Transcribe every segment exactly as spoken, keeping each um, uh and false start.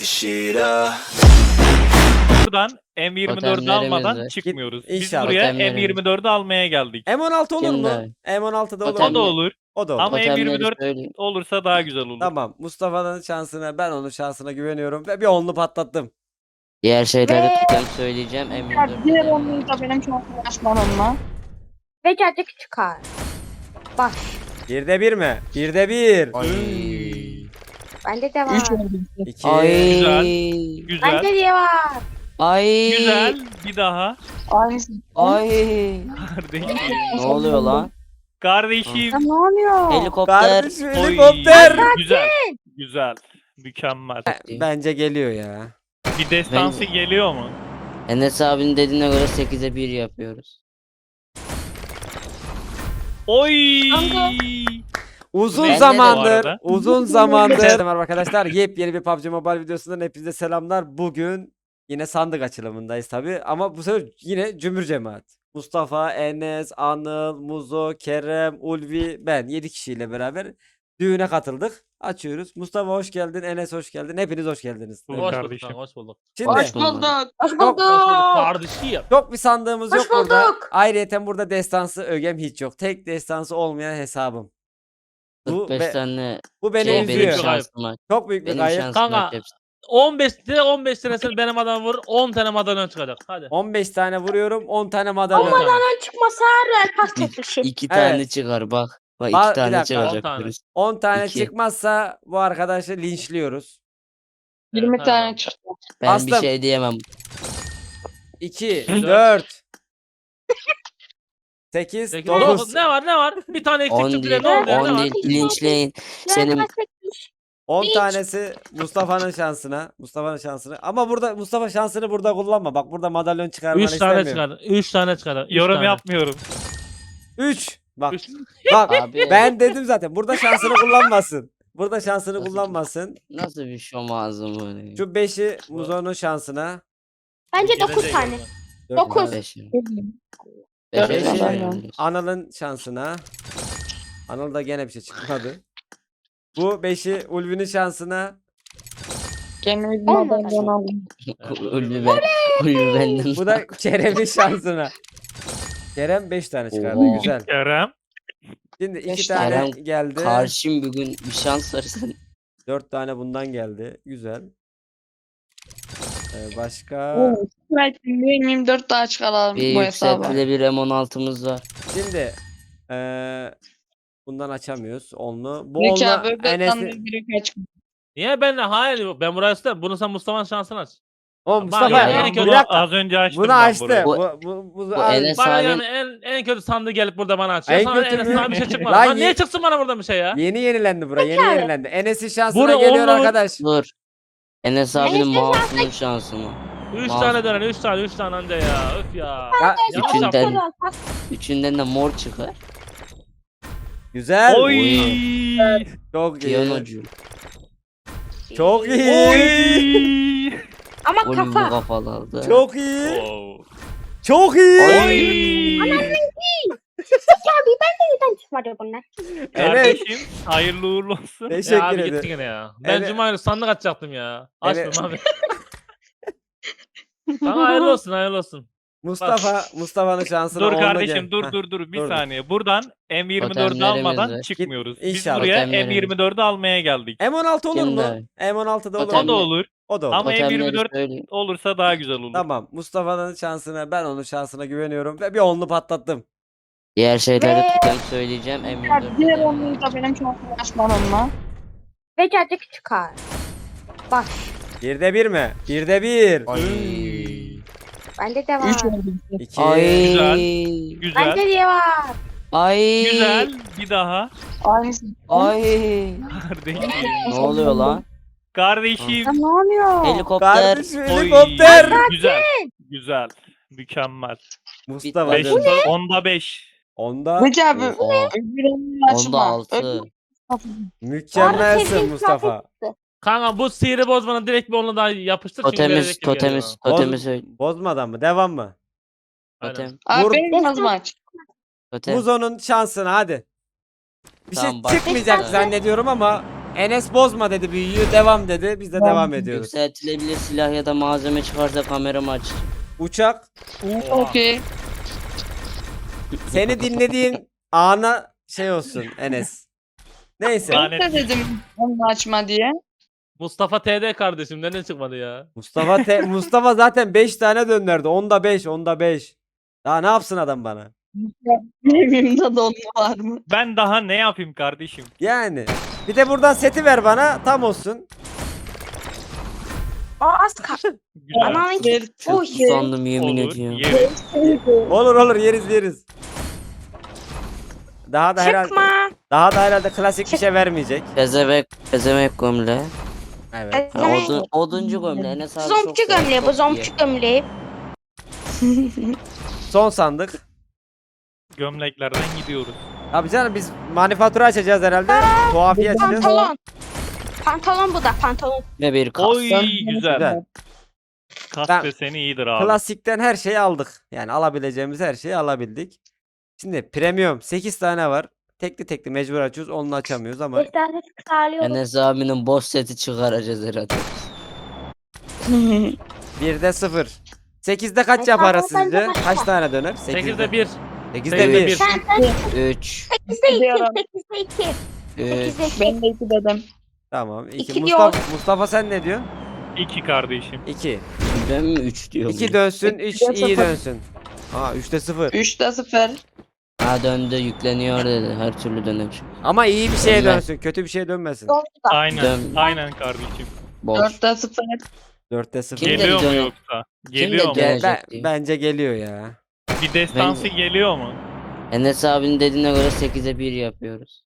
Şira. Buradan M yirmi dördü Totemlerimiz almadan var. çıkmıyoruz. Biz İnşallah. buraya Totemlerimiz. M yirmi dördü almaya geldik. M on altı olur mu? Şimdi- M on altı da olur Totem- O da mu? olur. O da olur. Ama M yirmi Totemleri dört söyleyeyim. olursa daha güzel olur. Tamam. Mustafa'nın şansına, ben onun şansına güveniyorum ve bir onlu patlattım. Diğer şeyleri Ve- tutem söyleyeceğim. M yirmi Ya dört. diğer onluyu da benim çok uğraşmam onunla. Ve cacık çıkar. Bak Birde bir mi? Birde bir. Ay. bende de var. Üç oldu. İki. Ay. Güzel. Bende de var. Ay. Güzel. Bir daha. Aynısı. Ay. Kardeşim. Ne oluyor lan? Kardeşim. Ya ne oluyor? Helikopter. Kardeşim Oy, helikopter. Güzel. Güzel. Mükemmel. Bence geliyor ya. Bir destansı Ben- geliyor mu? Enes abinin dediğine göre sekize bir yapıyoruz. Oy. Kanka. Uzun Bende de zamandır, bu arada. uzun zamandır. Merhaba arkadaşlar. Yepyeni bir P U B G Mobile videosundan hepinize selamlar. Bugün yine sandık açılımındayız tabi. Ama bu sefer yine cümbür cemaat. Mustafa, Enes, Anıl, Muzo, Kerem, Ulvi, ben yedi kişiyle beraber düğüne katıldık. Açıyoruz. Mustafa hoş geldin, Enes hoş geldin. Hepiniz hoş geldiniz. Hoş Hoş bulduk kardeşim. kanka, hoş bulduk. Şimdi Hoş bulduk. Hoş Çok- bulduk. Hoş bulduk kardeşim. çok bir sandığımız Hoş yok burada. bulduk. Ayrıyeten burada destansı ögem hiç yok. Tek destansı olmayan hesabım. Bu, kırk beş be- tane bu beni şey üzüyor. benim Çok şansım var. Çok büyük bir Benim kayıp. şansım Kanka, var hepsi. on beşte on beş tanesini benim adam vur, on tane madalyon çıkacak. Hadi. on beş tane vuruyorum, on tane madalya. Aman lan. Ben çıkmasa her el pas çekmişim. İki Evet. tane çıkar bak. Bak Ba- iki bir tane dakika. On çıkacak. tane. birisi. on tane İki. çıkmazsa bu arkadaşı linçliyoruz. yirmi Evet, tane hadi. çıktı. Ben Bastım. bir şey diyemem. iki, Dört. dört, sekiz, Sekiz, dokuz. dokuz. Ne var ne var? Bir tane eksik on çıktı değil. ne oldu ya, ne on var? değil. Linçleyin. Senin Pas çekmiş. on tanesi Mustafa'nın şansına. Mustafa'nın şansına. Ama burada Mustafa şansını burada kullanma. Bak burada madalyon çıkarmanı Üç tane istemiyorum. çıkar. Üç tane çıkar. Üç Yorum tane. yapmıyorum. üç. Bak. Üç. Bak. abi Ben dedim zaten. Burada şansını kullanmasın. Burada şansını Nasıl- kullanmasın. nasıl bir şom ağzım böyle. Şu beşi Muzo'nun şansına. Bence Gelecek dokuz tane. yolda. Dört Dokuz. tane. Beşi. Dört Beşi tane. sayıyorum. Anıl'ın şansına. Anıl da gene bir şey çıkmadı. Bu beşi Ulvi'nin şansına. Gene bir Olmadı. madalyon aldım. Ulvi ben. Ulvi benden. Bu da Kerem'in şansına. Kerem beş tane çıkardı. Oo. Güzel. Kerem. Şimdi iki Beş tane tane. geldi. Karşım bugün bir şans versen. Dört tane bundan geldi. Güzel. Ee, başka. Oo, belki yirmi dört daha çıkaralım Bir bu hesaba. yükseltili bir M on altımız var. Şimdi ee, bundan açamıyoruz. Onlu. Bu Büyük onlu abi öbür Enes'in. biri kaç. Niye ben de hayır ben buraya istedim. Bunu sen Mustafa'nın şansını aç. O Mustafa. yani Ya, en Bir kötü bunu dakika. az önce açtım Bunu ben açtı. burayı. Bu, bu, bu, Bu Aa, Enes Bana abin- yani en, en kötü sandığı gelip burada bana açıyor. En Sana kötü en mü? azından bir şey çıkmadı. Lan Lan niye ye- çıksın bana burada bir şey ya? Yeni yenilendi bura. Yeni abi. yenilendi. Enes'in şansına Bunu geliyor onlu- arkadaş. Dur. Enes abinin Enes'in mouse'unun şansı mı? Üç Mouse- tane dönen, üç tane, üç tane anca ya. Öf ya. Ya, Yanlış Üçünden- yaptım. Pas. Üçünden de mor çıkar. güzel. Oy. Çok iyi. Piyanocu. Çok iyi. Oy. Ama Ulvi kafa. kafalı aldı. Çok iyi. Wow. Çok iyi. Oy. Abi ben de neden çıkmadı bunlar? Kardeşim hayırlı uğurlu olsun. Ya Teşekkür abi gitti ederim. gene ya. Ben Evet. Cuma günü sandık açacaktım ya. Evet. Açmıyorum abi. Sana hayırlı olsun, hayırlı olsun. Mustafa Mustafa'nın şansına Dur onlu kardeşim gel. dur Heh. dur dur bir dur, dur. saniye. Buradan M yirmi dördü Totemlerimiz almadan var. çıkmıyoruz. Git, Biz inşallah. buraya Totemlerimiz. M yirmi dördü almaya geldik. M on altı olur mu? Şimdi- M on altı da olur O Totem- mu? da olur. O da olur. Ama M yirmi Totemleri dört söyleyeyim. olursa daha güzel olur. Tamam. Mustafa'nın şansına, ben onun şansına güveniyorum ve bir onlu patlattım. Diğer şeyleri Ve- tutem söyleyeceğim. M yirmi Ya dört. diğer onluyu da benim çok uğraşmam onunla. Ve cacık çıkar. Bak Birde bir mi? Birde bir. bende de var. Üç oldu. İki. Ay. Güzel. Güzel. Bende de var. Ay. Güzel. Bir daha. Aynısı. Ay. Kardeşim. Ne oluyor lan? Kardeşim. Ya ne oluyor? Helikopter. Kardeşim Oy. helikopter. Güzel. Güzel. Mükemmel. Mustafa. Bitmedi. Beşte, onda beş. Onda Peki abi Oha. öbür onluyu Onda açma. altı. Öbür- mükemmelsin sevdiğim Mustafa. kıyafet. Kanka bu sihri bozmanın direkt bir onunla daha yapıştır. çünkü Totemiz, gelecek gibi geliyor totemiz, bana. totemi Boz- söyle. Bozmadan mı? Devam mı? Aynen. Totem, Abi Vur. benim nasıl maç? totem. Muzo'nun şansına hadi. Bir Tamam, şey bak. çıkmayacak Destan- zannediyorum ama Enes bozma dedi büyüyü. Devam dedi. Biz de devam ediyoruz. Yükseltilebilir silah ya da malzeme çıkarsa kameramı aç. Uçak. Okey. Seni dinlediğim ana şey olsun Enes. Neyse. Lanet. Ne dedim onu açma diye. Mustafa T D kardeşim neden çıkmadı ya? Mustafa te- Mustafa zaten beş tane döndürdü. Onda beş, onda beş. Daha ne yapsın adam bana? Evimde donlu var mı? Ben daha ne yapayım kardeşim? Yani. Bir de buradan seti ver bana. Tam olsun. O az kaldı. Güzel. Ananın Ver. Çok Oy. usandım yemin Olur. ediyorum. Yeriz. Olur olur yeriz yeriz. Daha da herhalde Çıkma. daha da herhalde klasik bir şey vermeyecek. Pezevenk, pezevenk gömle. Evet. Ha, Pezevenk. odun, oduncu gömle. Enes abi çok Zompçu sever, gömleği bu çok zompçu iyi. gömleği. Son sandık. Gömleklerden gidiyoruz. Abi canım biz manifatura açacağız herhalde. Tuhafiye açacağız. Pantolon. Pantolon bu da pantolon. Ve bir kas. Oy güzel. Güzel. Kas Ben- deseni iyidir abi. Klasikten her şeyi aldık. Yani alabileceğimiz her şeyi alabildik. Şimdi premium sekiz tane var. Tekli tekli mecbur açıyoruz. Onu açamıyoruz ama Defterleri sağlıyorum. Enes abinin boss seti çıkaracağız herhalde. birde sıfır. sekizde kaç Ay, yaparız tamam, ben de sizce? başla. Kaç tane döner? sekizde bir. sekizde sekizde bir. bir. Sen sen üç. sekizde iki. Diyorum. sekizde iki. üç. sekizde iki. Ben de iki dedim. Tamam. iki. İki Mustafa, Mustafa sen ne diyorsun? İki kardeşim. iki. Ben mi üç diyorum? iki dönsün, üç İkide iyi sıfır. dönsün. Aa üçte sıfır. Üçte sıfır. Ha döndü yükleniyor dedi. Her türlü döner. Ama iyi bir şeye Dönmez. dönsün. Kötü bir şeye dönmesin. Doğru da. Aynen. Dön. Aynen kardeşim. Boş. Dörtte sıfır. dörtte sıfır. Kim Geliyor mu dönüyor? yoksa? Kim Geliyor mu? dönüyor? Gel- ben- Gelecek diye. bence geliyor ya. Bir destansı Bence- geliyor mu? Enes abinin dediğine göre sekize bir yapıyoruz.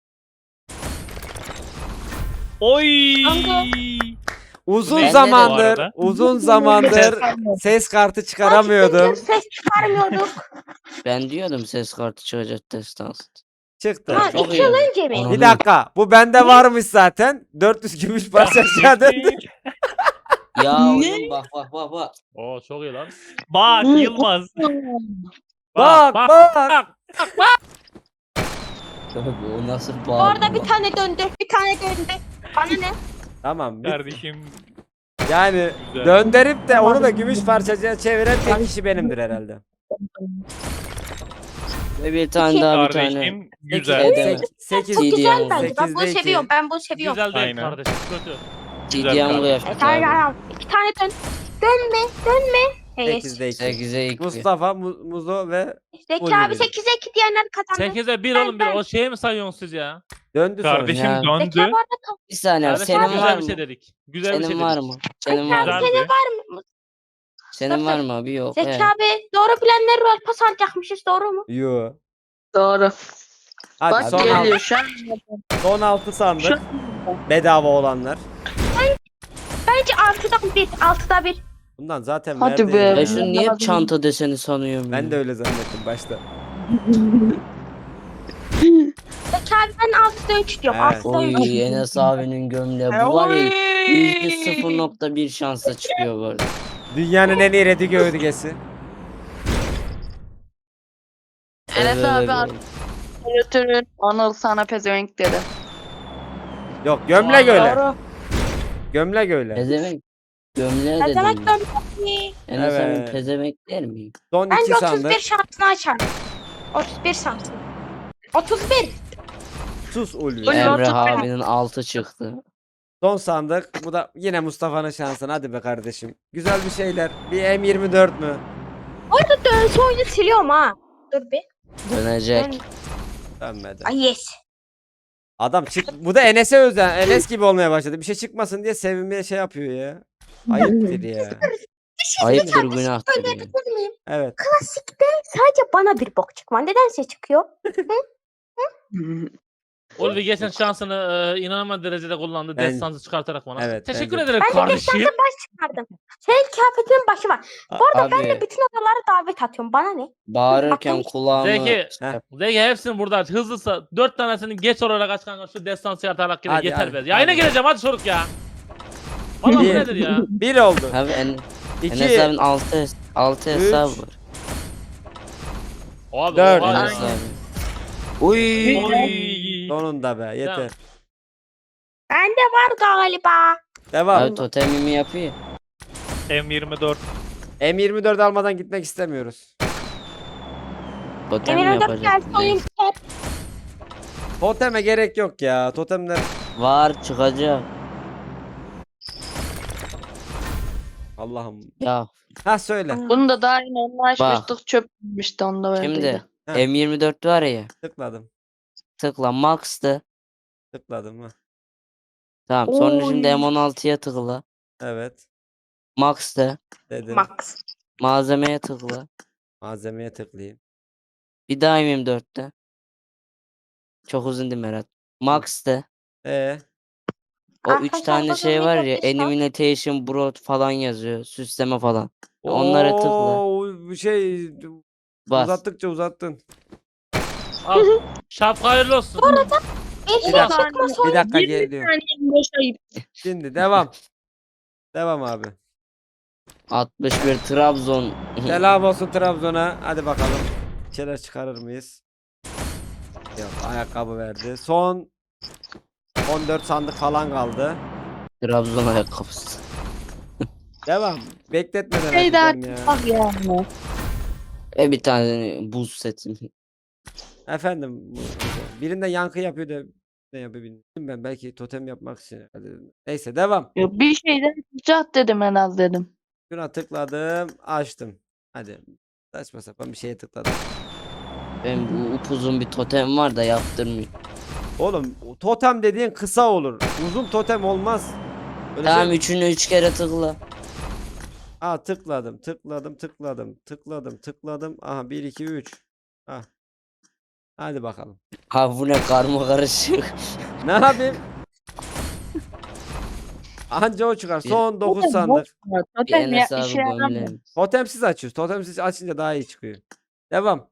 Oy! Uzun Ben de bu zamandır, arada. uzun zamandır ses kartı çıkaramıyordum. Ses çıkarmıyorduk. Ben diyordum ses kartı çıkacak destans. Çıktı. Ha, Çok iki iyi. yıl önce mi? Ana. Bir dakika. Bu bende varmış zaten. dört yüz gümüş parça aşağı döndü. Ya Ne? oğlum bak bak bak bak. Oo çok iyi lan. Bak Yılmaz. Bak bak. Tabii o nasıl bağırdı? Orada bir tane döndü. Bir tane döndü. Bana ne? Tamam. bir- Kardeşim. Yani Güzel. döndürüp de onu da gümüş parçacığa çeviren tek kişi benimdir herhalde. Ve bir tane İki. daha bir tane. Kardeşim Sekiz- güzel. Edemez. sek- sekiz- Çok güzel Sekiz- bence. Ben bunu sekizde iki. seviyorum. Ben bunu seviyorum. Güzel değil Aynen. kardeşim kötü. Güzel Ciddi kardeşim. bu E, yaptı tamam, abi. tamam. İki tane dön. Dönme. Dönme. Evet. sekizde iki. sekize iki. Mustafa, Mu- Muzo ve Zeki Ulvi abi dedi. sekize iki diyenler kazandı. sekize bir oğlum bir. O şeye mi sayıyorsunuz siz ya? döndü sonra. Kardeşim Ya. Zeki döndü. abi orada Bir saniye abi, Kardeşim senin güzel var bir mı? şey dedik. Güzel bir şey Senin dedik. var mı? Senin var mı? Güzeldi. var mı? Senin var mı abi? Yok. Zeki Evet. abi doğru bilenler var. Pas alacakmışız doğru mu? Yo. Doğru. Hadi Bak son, geliyor altı, şu an. son altı sandık. Şu- Bedava olanlar. Bence altıdan bir. Altıda bir. Bundan zaten Hadi verdi. be. Ben Ben şunu niye hep çanta deseni sanıyorum Ben ya? de öyle zannettim başta. Zeki abi ben altıda üç diyorum. Evet. Altıda üç. Oy Enes abinin gömleği. Bu var ya yüzde sıfır nokta bir şansla çıkıyor bu arada. Dünyanın en iyi redi gövdesi. Enes Evet, abi evet. artık götürün. Anıl sana pezevenk dedi. Yok gömlek öyle. Doğru. Gömlek öyle. Pezevenk. Gömleği Ne demek dedim. dönmesi? Enes abinin Evet. pezevenk der miyim? Son Bence iki otuz sandık. bir şansını açarım. otuz bir şansını. otuz bir. Sus Ulvi. Oy, Emre otuz bir. abinin altı çıktı. Son sandık. Bu da yine Mustafa'nın şansına. Hadi be kardeşim. Güzel bir şeyler. Bir M yirmi dört mü? Orada dönse oyunu siliyorum ha. Dur bir. Dönecek. Dön. Dönmedi. Ay yes. Adam çık. Bu da Enes'e özel. Enes gibi olmaya başladı. Bir şey çıkmasın diye sevinmeye şey yapıyor ya. Ayıptır ya. Ayıptır günahtır ya. Söyleyebilir miyim? Evet. Klasikte sadece bana bir bok çıkma. Nedense çıkıyor. Ulvi geçen şansını e, inanılmaz derecede kullandı. Ben- Destansı çıkartarak bana. Evet, Teşekkür bence- ederim Ben de kardeşim. destansı baş çıkardım. Senin kıyafetinin başı var. Bu arada ben de Abi bütün odalara davet atıyorum. Bana ne? bağırırken Bak, kulağımı... Zeki. Heh. Zeki hepsini burada aç. Hızlısa dört tanesini geç olarak aç kanka. Şu destansı yaratarak gire. Hadi, Yeter hadi, be. Yayına hadi. gireceğim hadi çocuk ya. Valla bu Bir. nedir ya? Bir oldu. Abi en, Enes İki. abinin altı, hes- altı Üç. hesabı var. Abi Dört. oha ya. Enes abi. Uy. Oy. Sonunda be yeter. Bende var galiba. Devam. Abi totemimi yapıyor. M yirmi dört. M yirmi dört almadan gitmek istemiyoruz. Totem mi Emir Önder yapacak? gelsin oyun biter. Toteme gerek yok ya. Totemler Var çıkacak. Allah'ım. Ya Ha söyle. Bunu da daha yeni onunla açmıştık çöpmüştü onda verdiydi. şimdi Ha. M yirmi dört var ya. Tıkladım. Tıkla Max'tı. Tıkladım ha. Tamam sonra Oy. şimdi M on altıya tıkla. Evet. Max'tı. Dedim. Max. Malzemeye tıkla. Malzemeye tıklayayım. Bir daha M yirmi dörtte. Çok uzun değil Berat. Max'tı. Ee, O üç Arkadaşlar, tane bakın şey ne var ya. yapmışlar? Elimination, Broad falan yazıyor. Süsleme falan. Onlara tıkla. Oo, bu şey Bas. uzattıkça uzattın. Al. Şapka hayırlı olsun. Bir Bir dakika. çıkma son. Bir dakika yirmi geliyor. saniye boş ayıp. Şimdi devam. Devam abi. altmış bir Trabzon. Selam olsun Trabzon'a. Hadi bakalım. Bir şeyler çıkarır mıyız? Yok, ayakkabı verdi. Son on dört sandık falan kaldı. Trabzon ayakkabısı. Devam. Bekletmeden Şey daha açacağım ya. bak ya. Ve bir tane buz seti. Efendim bu- birinde yankı yapıyor da ne yapıyor bilmiyorum ben, belki totem yapmak için. Hadi. Neyse devam. Yok, bir şeyden çıkacak dedim en az dedim. Şuna tıkladım, açtım. Hadi. Saçma sapan bir şeye tıkladım. Ben bu upuzun bir totem var da yaptırmıyor. Oğlum totem dediğin kısa olur. Uzun totem olmaz. Öyle Tamam şey- üçünü üç kere tıkla. Aa tıkladım, tıkladım, tıkladım, tıkladım, tıkladım. Aha bir iki üç. Ha. Hadi bakalım. Ha bu ne karma karışık. Ne yapayım? Anca o çıkar. Son dokuz sandık. Bir Totem ya hesabı işe yaramıyor. gömleğim. Totemsiz açıyoruz. Totemsiz açınca daha iyi çıkıyor. Devam.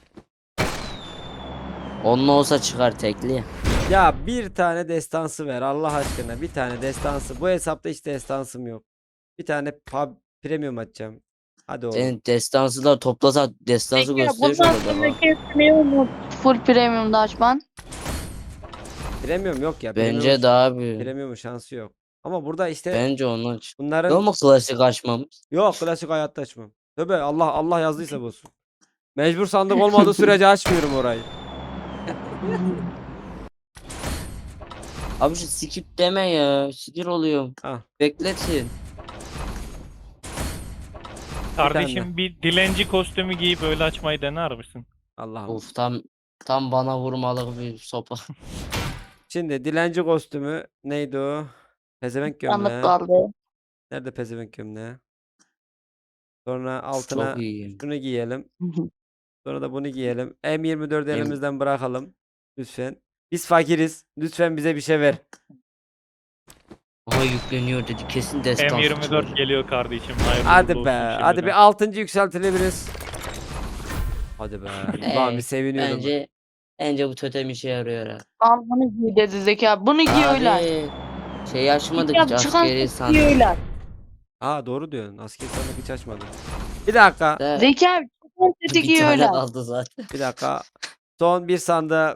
Onunla olsa çıkar tekli ya. Ya bir tane destansı ver Allah aşkına. Bir tane destansı. Bu hesapta hiç destansım yok. Bir tane pub premium açacağım. Hadi oğlum. Senin destansı da toplasa destansı Peki ya gösteriyor bundan şurada bak. sonraki ne umut? Full premium'da açman. Premium yok ya. Bence Premium, daha büyük. premium şansı yok. Ama burada işte Bence onu aç. Ne bunların mu klasik açmamız? yok, klasik hayatta açmam. Tövbe Allah Allah yazdıysa bu olsun. Mecbur sandık olmadığı sürece açmıyorum orayı. Abi şu skip deme ya. Sinir oluyorum. Ah. Bekletin. Kardeşim bir dilenci kostümü giyip öyle açmayı dener misin? Allah'ım. Of tam tam bana vurmalık bir sopa. Şimdi dilenci kostümü neydi o? Pezevenk Sandık gömleği. kaldı. Nerede pezevenk gömleği? Sonra altına Çok iyi. şunu giyelim. Sonra da bunu giyelim. M yirmi dördü Em- elimizden bırakalım. Lütfen. Biz fakiriz. Lütfen bize bir şey ver. Aha yükleniyor dedi. Kesin destansı M yirmi dört çıkacak. geliyor kardeşim. Hayırlı Hadi uğurlu be. olsun Hadi şimdiden. bir altıncı yükseltilebiliriz. Hadi be. Ulan Ee, bir seviniyordum. Bence bence bu totem işe yarıyor ha. Al bunu giy dedi Zeka. Bunu giy öyle aç. Abi şey açmadık Ya hiç çıkan askeri giy sandık. öyle aç. Aa doğru diyorsun. Asker sandık hiç açmadım. Bir dakika. Da Zeka abi çıkan seti bir giy tane öyle aç. kaldı zaten. Bir dakika. Son bir sandık.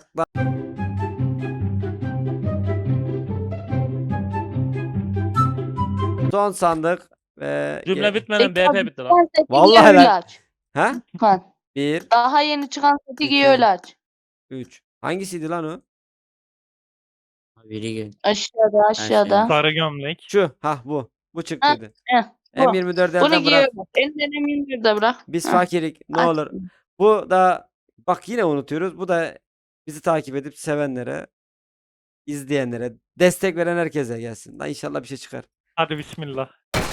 Son sandık. Ve Cümle ge- bitmeden Zeka B P abi bitti lan. çıkan seti giy Vallahi öyle lan. aç. Ha? Lütfen. Bir, Daha yeni çıkan seti giy İki. öyle aç. üç. Hangisiydi lan o? Biri gel. Aşağıda aşağıda. Sarı gömlek. Şu. Ha bu. Bu çıktıydı. Heh, bu. M yirmi dört Bunu elden giy bırak. öyle aç. Elinden emin bir de bırak. Biz Heh. fakirik. Ne Aç. olur. Bu da bak yine unutuyoruz. Bu da bizi takip edip sevenlere, izleyenlere, destek veren herkese gelsin. Lan inşallah bir şey çıkar. Hadi bismillah.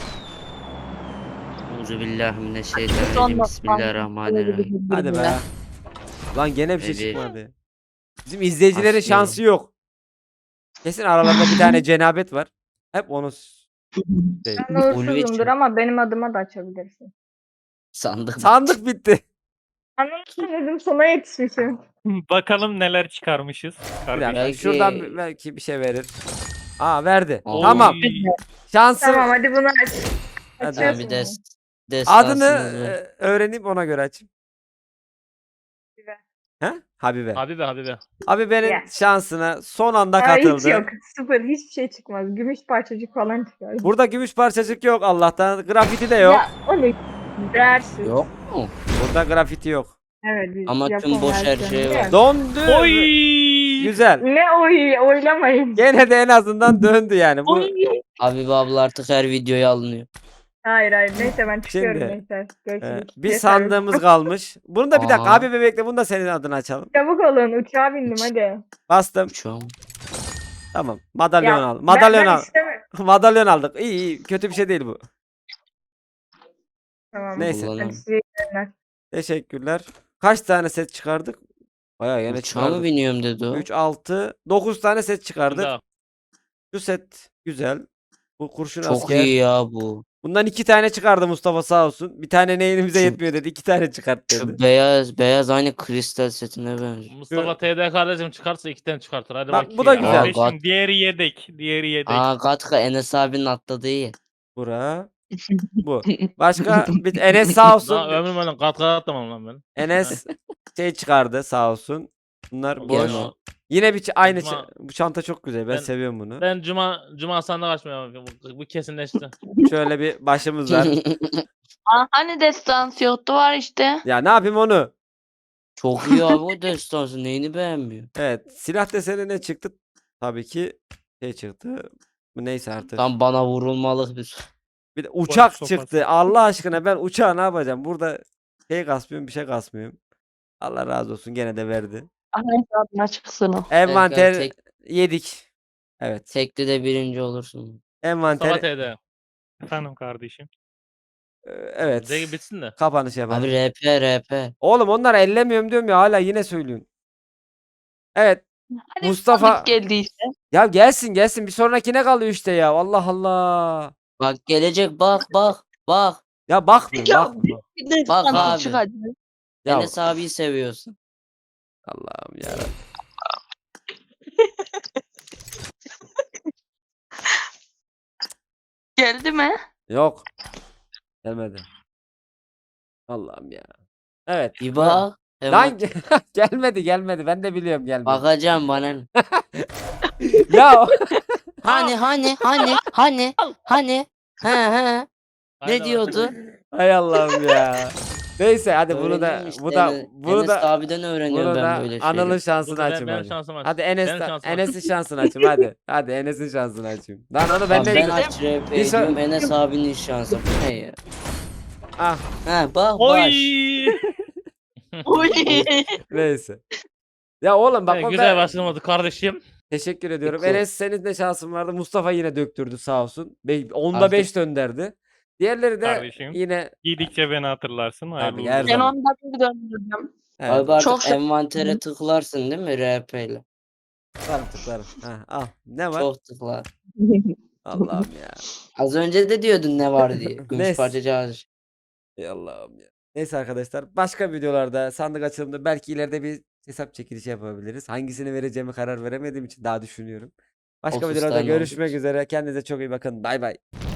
Euzubillahimineşşeytanirracim. Son Bismillahirrahmanirrahim. Hadi be. Lan gene bir şey Ve bir- çıkmadı. Bizim izleyicilerin Askeri. şansı yok. Kesin aralarında bir tane cenabet var. Hep onu s- şey. Ben Ulvi uğursuzumdur için. ama benim adıma da açabilirsin. Sandık. Sandık bitti. Anlamışsın dedim sona yetişmişim. Bakalım neler çıkarmışız. Bir Kardeşim. dakika. Belki- Şuradan bir- belki bir şey verir. Aa verdi. Oy. Tamam. Şansı. Tamam hadi bunu aç. Hadi. Tamam, Açıyorsun bir bunu. des destansınız Adını var. e, öğrenip ona göre aç. He? Habibe. Habibe Habibe. Habibe'nin Ya. şansına son anda Aa, hiç katıldı. yok. Sıfır. Hiçbir şey çıkmaz. Gümüş parçacık falan çıkar. Burada gümüş parçacık yok Allah'tan. Grafiti de yok. Ya onu dersiz. Yok mu? Burada grafiti yok. Evet. biz Ama tüm Japon boş her versiyonu şey değil var. mi? Döndü. Oy! Güzel. Ne oy oylamayın. Gene de en azından döndü yani. Bu Oy. Habibe abla artık her videoya alınıyor. Hayır hayır neyse ben çıkıyorum Şimdi, neyse. e, Görüşürüz. bir Yeter. sandığımız kalmış. Bunu da bir dakika Aa. abi bebekle bunu da senin adına açalım. Çabuk olun uçağa bindim hadi. Bastım. Şu an. Tamam. Madalyon Ya, al. Madalyon ben, ben al. istemiyorum. Madalyon aldık. İyi iyi. Kötü bir şey değil bu. Tamam. Neyse. Kullanalım. Hadi size iyi günler. Teşekkürler. Kaç tane set çıkardık? Bayağı yine Uçağa mı çıkardık. biniyorum dedi o? üç, altı, dokuz tane set çıkardık. Daha. Şu set güzel. Bu kurşun Çok asker. iyi ya bu. Bundan iki tane çıkardı Mustafa sağ olsun. Bir tane ne elimize Şu- yetmiyor dedi. İki tane çıkart dedi. Şu beyaz beyaz aynı kristal setine benziyor. Mustafa T D kardeşim çıkarsa iki tane çıkartır. Hadi Bak, bakayım bu da ya. güzel. Aa, gat- Kardeşim diğeri yedek. Diğeri yedek. Aa Gatka Enes abinin atladığı iyi. Bura. Bu. Başka bir Enes sağ olsun. Daha ömrüm öyle kat kat atlamam lan ben. Enes şey çıkardı sağ olsun. Bunlar boş. Gene o. Yine bir ç- aynı Cuma- ç- bu çanta çok güzel. Ben, Ben- seviyorum bunu. Ben cuma cuma sandık açmıyorum. Bu, bu kesinleşti. Şöyle bir başımız var. Aa, hani destansı yoktu var işte. Ya ne yapayım onu? Çok iyi abi o destansı. Neyini beğenmiyor? Evet. Silah deseni ne çıktı? Tabii ki şey çıktı. Bu neyse artık. Tam bana vurulmalık bir. Bir de uçak sopası. çıktı. Allah aşkına ben uçağı ne yapacağım? Burada şey kasmıyorum, bir şey kasmıyorum. Allah razı olsun gene de verdi. Ahmet adına çıksın o. Envanter tek- yedik. Evet. Tekli de birinci olursun. Mustafa Envanter T D. Efendim kardeşim. e, evet. Zeki bitsin de. Kapanış yapalım. Abi R P R P. Oğlum onları ellemiyorum diyorum ya hala yine söylüyorsun. Evet. Hadi Mustafa- sandık geldiyse. Ya gelsin gelsin bir sonrakine kalıyor işte ya. Allah Allah. Bak gelecek bak bak bak. Ya bakmıyor Ya, bakmıyor. Bir de Bak sandık abi. çıkacak. Ya Enes abiyi seviyorsun. Allah'ım ya. Geldi mi? Yok. Gelmedi. Allah'ım ya. Evet. Bir bak. Lan Hemen gelmedi gelmedi. Ben de biliyorum gelmedi. bakacağım bana. ne? Ya Hani hani hani hani hani. He he. Haydi Ne diyordu? hay Allah'ım ya. Neyse hadi bunu da Öğreniyorum işte. bu da Enes- bunu Enes da abiden öğreniyorum bunu ben da böyle Anıl'ın şeyleri. şansını Dur, ben, açayım benim hadi. şansım aç. Hadi Enes Benim şansım aç. Enes'in şansını açayım hadi. Hadi Enes'in şansını açayım. Lan onu ben Abi ne ben aç R P Bir son- diyorum Enes abinin şansı. Bu ne ya? Ah He bak Oy! baş. Oy. neyse. Ya oğlum bak Evet, o güzel ben- başlamadı kardeşim. teşekkür ediyorum. Peki. Enes senin de şansın vardı. Mustafa yine döktürdü sağ olsun. Be- Onda Artık- beş dönderdi. Diğerleri de Kardeşim. yine Giydikçe beni hatırlarsın. Hayırlı Tabii, her uğurlu Ben zaman. olsun. onda bir döndürdüm. evet, Abi artık Çok se- envantere tıklarsın değil mi R P ile? tıklarım tıklarım. Ha, al. Ne var? Çok tıklar. Allah'ım ya. Az önce de diyordun ne var diye. Gümüş Neyse. parçacı ağacı. Ey Allah'ım ya. Neyse arkadaşlar başka videolarda sandık açılımında belki ileride bir hesap çekilişi yapabiliriz. Hangisini vereceğimi karar veremediğim için daha düşünüyorum. Başka otuz videolarda tane görüşmek oldu. üzere. Kendinize çok iyi bakın. Bay bay.